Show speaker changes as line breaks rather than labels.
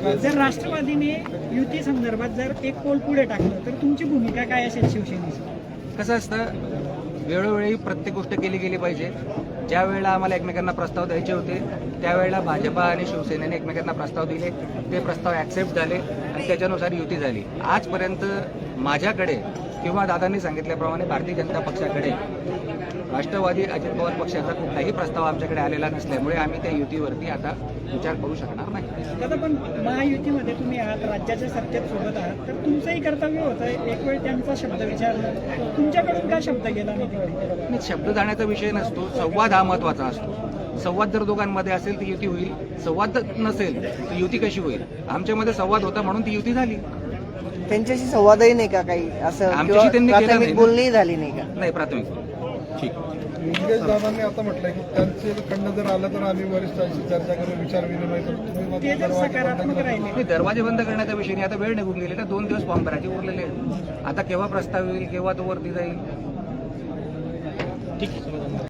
जर राष्ट्रवादीने युती संदर्भात जर एक पोल पुढे टाकलं तर तुमची भूमिका काय असेल शिवसेनेची?
कसं असतं, वेळोवेळी प्रत्येक गोष्ट केली गेली पाहिजे. ज्या वेळेला आम्हाला एकमेकांना प्रस्ताव द्यायचे होते त्यावेळेला भाजपा आणि शिवसेनेने एकमेकांना प्रस्ताव दिले, ते प्रस्ताव ॲक्सेप्ट झाले आणि त्याच्यानुसार युती झाली. आजपर्यंत माझ्याकडे किंवा दादांनी सांगितल्याप्रमाणे भारतीय जनता पक्षाकडे राष्ट्रवादी अजित पवार पक्षाचा कुठलाही प्रस्ताव आमच्याकडे आलेला नसल्यामुळे आम्ही त्या युतीवरती आता विचार करू शकणार नाही.
दादा, पण महायुतीमध्ये तुम्ही आहात, राज्याच्या सत्तेत सोबत आहात, तर तुमचंही कर्तव्य होतं एक वेळ त्यांचा शब्द विचारला, तुमच्याकडून काय शब्द गेला नाही तिकडे?
शब्द जाण्याचा विषय नसतो, संवाद हा महत्त्वाचा असतो. संवाद जर दोघांमध्ये असेल तर युती होईल, संवाद नसेल तर युती कशी होईल? आमच्यामध्ये संवाद होता म्हणून ती युती झाली.
त्यांच्याशी संवादही नाही का काही असं?
आमच्याशी त्यांनी केला नाही.
बोलणी झाली नाही का?
नाही, प्राथमिक. ठीक.
निलेश दादांनी आता म्हटलंय की त्यांच्याकडनं जर आलं तर आम्ही वरिष्ठांशी चर्चा करू, विचार विनिमय करू.
ते जर सकारात्मक राहिले,
दरवाजे बंद करण्याचा विषय नाही. आता वेळ निघून गेली ना, 2 दिवस फॉर्म भरायचे उरलेले. आता केव्हा प्रस्ताव येईल, केव्हा तो वरती जाईल? ठीक.